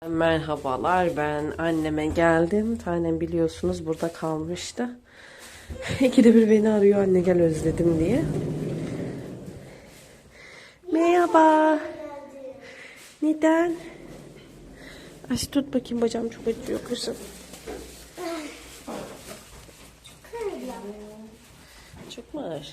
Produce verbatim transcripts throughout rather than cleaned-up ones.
Merhabalar, ben anneme geldim. Tanem biliyorsunuz burada kalmıştı. İkide bir beni arıyor, anne gel özledim diye. Merhaba. Neden? Ay tut bakayım, bacağım çok acıyor kızım. Çok mu ağır?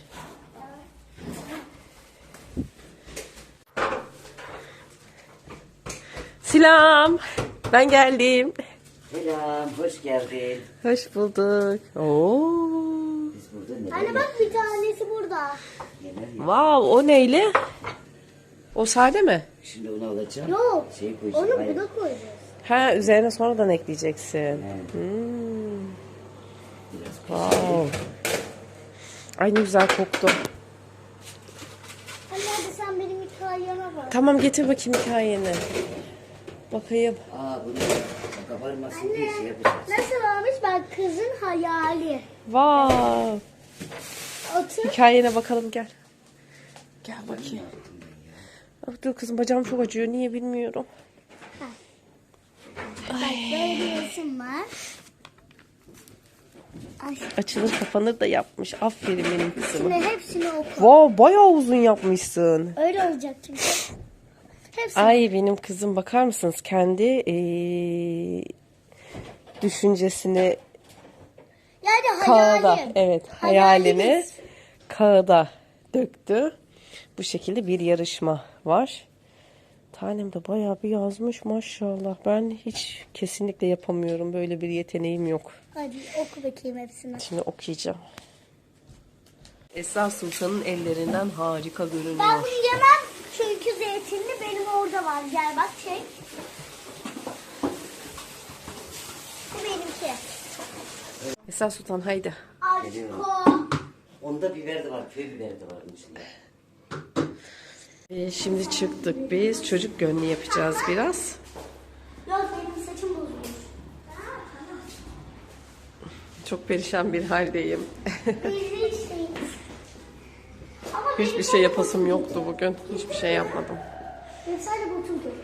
Selam. Ben geldim. Selam, hoş geldin. Hoş bulduk. Oo. Biz burada neler Anne bak bir tanesi burada. neler yap- Wow, o neyle? O sade mi? Şimdi onu alacağım. Yok. Şey koyacağım. Onu hayır. buna koyacağız. Ha, üzerine sonradan ekleyeceksin. Evet. Hmm. Biraz Wow. Ay ne güzel koktu. Anne hadi sen benim hikayeme bak. Tamam, getir bakayım hikayeni. Bakayım. Aa bunu kabarmasın diye şey yapacağız. Nasıl olmuş bak, kızın hayali. Wow. Otur. Hikayene bakalım, gel. Gel bakayım. Ah, dur kızım, bacağım çok acıyor. Niye bilmiyorum. Bak böyle bir resim var. Ay. Açılır kapanır da yapmış. Aferin benim Şimdi kızıma. hepsini oku. Wow, bayağı uzun yapmışsın. Öyle olacak çünkü. Hepsini. Ay benim kızım, bakar mısınız? Kendi eee, düşüncesini Yani kağıda, hayalim. evet, hayalini Hayalimiz. kağıda döktü. Bu şekilde bir yarışma var. Tanem de bayağı bir yazmış maşallah. Ben hiç kesinlikle yapamıyorum. Böyle bir yeteneğim yok. Hadi oku bakayım hepsini. Şimdi okuyacağım. Esra Sultan'ın ellerinden harika Ben görünüyor. bunu yemem çünkü zeytinli benim orada var. Gel bak çek. Bu benimki. Esra Sultan haydi. Aşko. Onda biber de var, köy biberi de var bunun içinde. Ee, şimdi çıktık biz. Çocuk gönlü yapacağız biraz. Yok benim saçım bozulmuş. Çok perişan bir haldeyim. Biz içteyiz. Ama Hiçbir şey yapasım yoktu bugün. Hiçbir şey yapmadım. benim sadece botum kötü.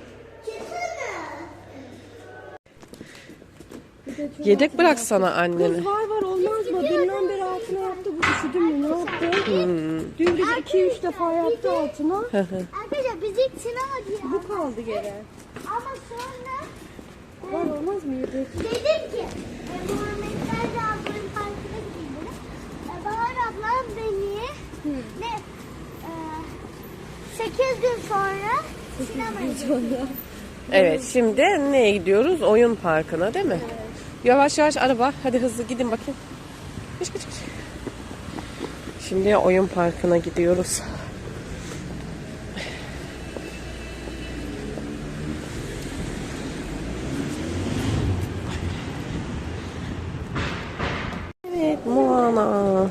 Yedek bıraksana anneni. Var var olmaz mı? Dünden beri altına yaptı, bu üşüdü mü? Ne yaptı? Dün gece iki üç defa yaptı altına. Arkadaşlar biz ilk sinema diye. Bu kaldı geri. Ama sonra Var olmaz mı yedi? dedim ki e, Muhammedler de ablanın parkına gidin. E, Bahar ablam beni ne e, sekiz gün sonra sinemaya gidiyor. Evet, şimdi neye gidiyoruz? Oyun parkına değil mi? Yavaş yavaş araba. Hadi hızlı gidin bakayım. Geç geç geç. Şimdi oyun parkına gidiyoruz. Evet, Moana.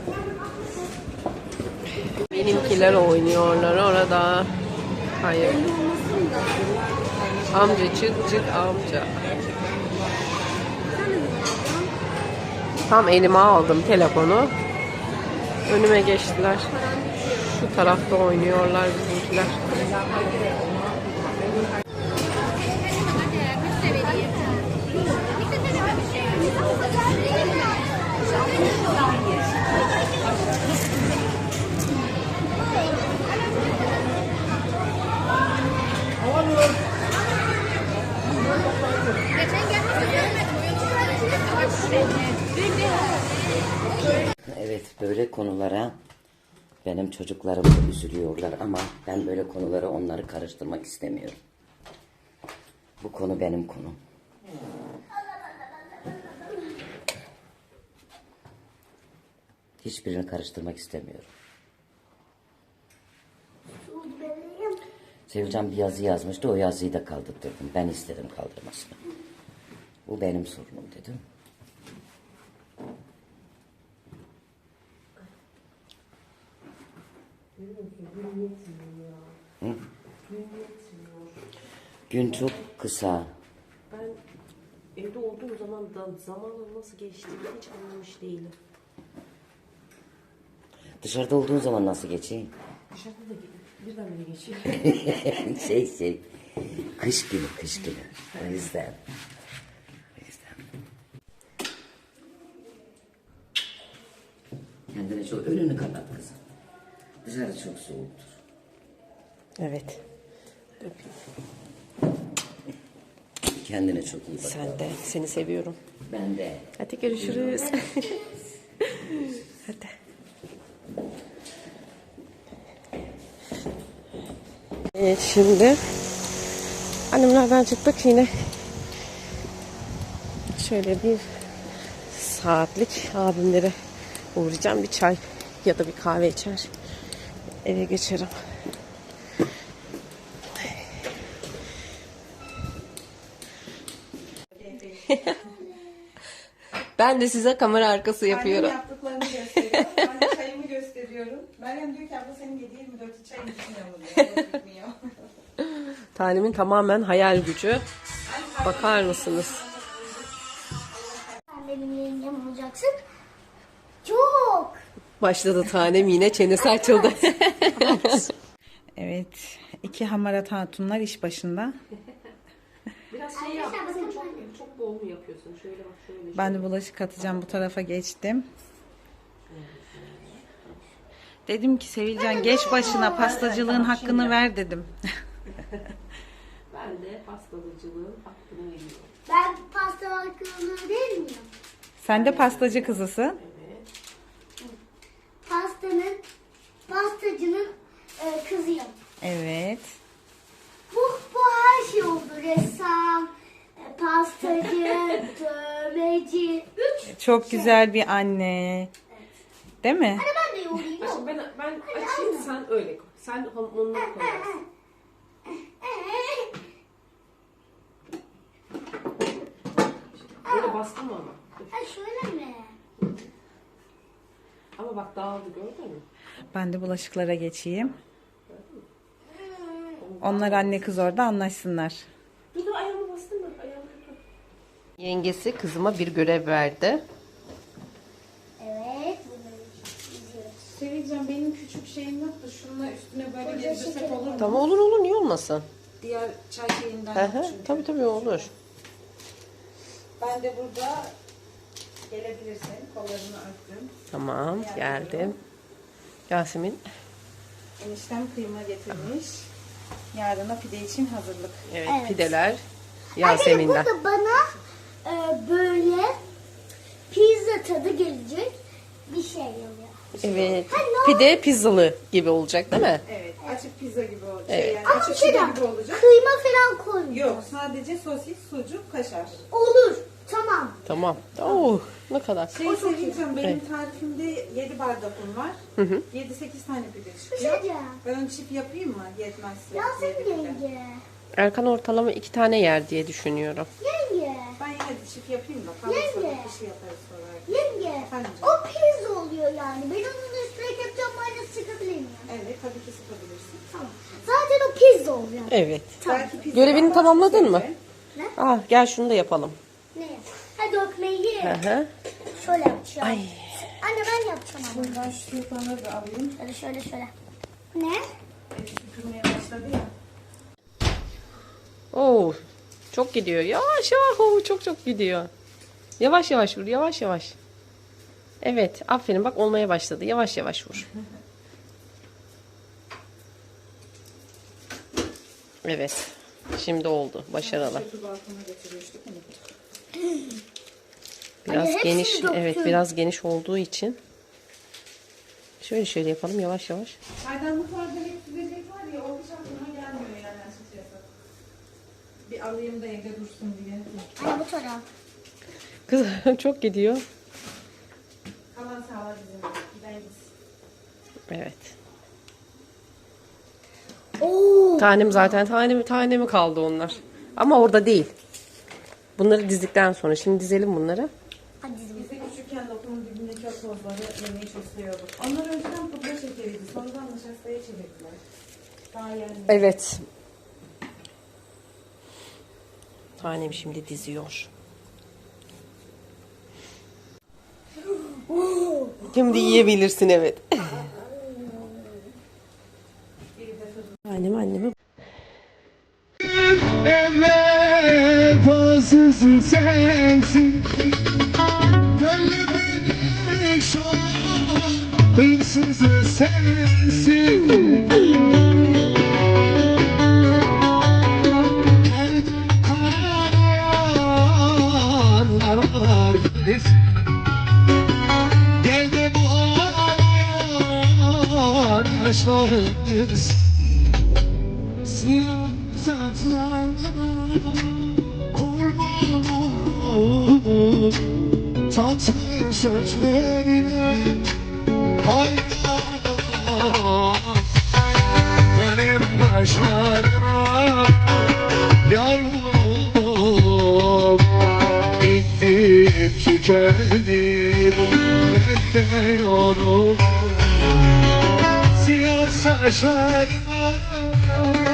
Benimkiler oynuyorlar orada. Hayır. Amca çık çık amca. Tam elime aldım telefonu. Önüme geçtiler. Şu tarafta oynuyorlar bizimkiler. Evet, böyle konulara benim çocuklarım da üzülüyorlar ama ben böyle konulara onları karıştırmak istemiyorum. Bu konu benim konum. Hiçbirini karıştırmak istemiyorum. Sevcan bir yazı yazmıştı, o yazıyı da kaldırdım. Ben istedim kaldırmasını. Bu benim sorunum dedim. Hı? Gün çok kısa. Ben evde olduğum zaman da zamanın nasıl geçtiğini hiç anlamış değilim. Dışarıda olduğun zaman nasıl geçeyim? Dışarıda da birdenbire geçiyor. şey şey. Kış günü, kış günü. O yüzden. O yüzden. Kendine çok önünü kapat kızım. Dışarı çok soğuktur. Evet. Kendine çok iyi bak. Sen de. Seni seviyorum. Ben de. Hadi görüşürüz. Hadi. Evet, şimdi annemlerden çıktık yine. Şöyle bir saatlik abimlere uğrayacağım. Bir çay ya da bir kahve içer. Eve geçerim. Ben de size kamera arkası yapıyorum. Annem yaptıklarını gösteriyor. Ben de çayımı gösteriyorum. Meryem diyor ki abla senin yedi yirmi dört çayın bitmiyor mu diyor. Bitmiyor. Tanemin tamamen hayal gücü. Bakar mısınız? Sen benim yengem olacaksın. Çok. Başladı tanem, yine çenesi açıldı. Evet. iki hamarat hatunlar iş başında. Biraz şey yap. Çok, çok bol mu yapıyorsun? Şöyle bak, şöyle. Ben de bulaşık atacağım. Bu tarafa geçtim. Dedim ki Sevilcan geç başına pastacılığın hakkını ver dedim. Ben de pastacılığın hakkını veriyorum. Ben pasta hakkını değil miyim? Sen de pastacı kızısın. Pastanın, pastacının e, kızıyım. Evet. Bu, bu her şey oldu. Ressam, e, pastacı, dövmeci. Üç. Çok güzel bir anne. Değil mi? Hani ben de yoğurayım. yok. Ben, ben açayım, sen öyle koy. Sen onları koyarsın. Böyle bastım ama. Ha şöyle mi? Ama bak dağıldı, gördün mü? Ben de bulaşıklara geçeyim. Onlar anne kız orada anlaşsınlar. Bir de ayağımı bastım mı? Ayağımı Yengesi kızıma bir görev verdi. Evet. Bunları izliyoruz. Sevilcan benim küçük şeyim yok da şununla üstüne böyle gezdirsek olur mu? Tamam, olur olur, niye olmasın? Diğer çay şeyinden Hı yok hı, çünkü. tabii tabii olur. Ben de burada gelebilirsin. Kollarını örttüm. Tamam, geldim. Yasemin. Eniştem kıyma getirmiş. Yarına pide için hazırlık. Evet, Evet. pideler Arkadaşlar Yasemin'den. burada bana e, böyle pizza tadı gelecek bir şey oluyor. Evet. Ha, ne Pide pizzalı gibi olacak değil mi? Evet, açık pizza gibi olacak. Evet. Şey, yani Ama bir açık şey pide daha, gibi olacak. kıyma falan koymuyor. Yok, sadece sosis, sucuk, kaşar. Olur. Tamam. Tamam. Oh, ne kadar. Şey Sevilcan, benim tarifimde yedi bardak un var. yedi sekiz tane pide Bir şey çıkıyor. diyeceğim. Ben onu çift yapayım mı? Yetmezse. Yasemin yedi pide. yenge. Erkan ortalama iki tane yer diye düşünüyorum. Yenge. Ben yine de çift yapayım da. Kalırsa Yenge. bir şey yaparız sonra. Yenge. Efendim O pizza oluyor yani. Ben onun üstüne ketçap mayonez sıkabilir miyim? Evet, tabii ki sıkabilirsin. Tamam. Zaten o pizza oluyor. Evet. Belki pizza Görevini var, tamamladın mı? seveceğim. Ah, gel şunu da yapalım. Ne? Ha dökmeyi. Hı hı. Şöyle yapacağım. Ay. Anne ben yapacağım ama. Ben şu yapanları da alayım. Şöyle şöyle şöyle. Ne? Süpürmeye başladı ya. Oo, çok gidiyor. Yavaş yavaş. Oo, çok çok gidiyor. Yavaş yavaş vur. Yavaş yavaş. Evet. Aferin. Bak olmaya başladı. Yavaş yavaş vur. Evet. Şimdi oldu. Başarılı. Şu balkona götürmüştük unuttuk. Biraz Anne, hepsini geniş. döktün. Evet, biraz geniş olduğu için. Şöyle şöyle yapalım. Yavaş yavaş. Çaydanlıklarda hep süzecek var ya, o hiç aklıma gelmiyor yani açıkçası. Bir alayım da evde dursun diye. Anne bu taraf. Kız çok gidiyor. Kalan sağlar bizim gideriz. Evet. Oo. Tanem zaten tane tane mi kaldı onlar? Ama orada değil. Bunları dizdikten sonra. Şimdi dizelim bunları. Hadi dizim. Biz de küçükken lokumun dibindeki o tozları yemeyi çok seviyorduk. Onlar önceden pudra şekeriydi. Sonradan nişastaya çevirdiler. Daha yani. Evet. Tanem şimdi diziyor. Şimdi yiyebilirsin, evet. Annem anneme. hırsızı sensin. Gönlümün şu an hırsızı sensin. Karanlar gitsin. Gel de bu ağlayan yaşlarımız siyah saçlarına kurban olup tatlı sözlerine hayran. Benim başlarıma yar olup bittim tükendim benden olup siyah saçlarıma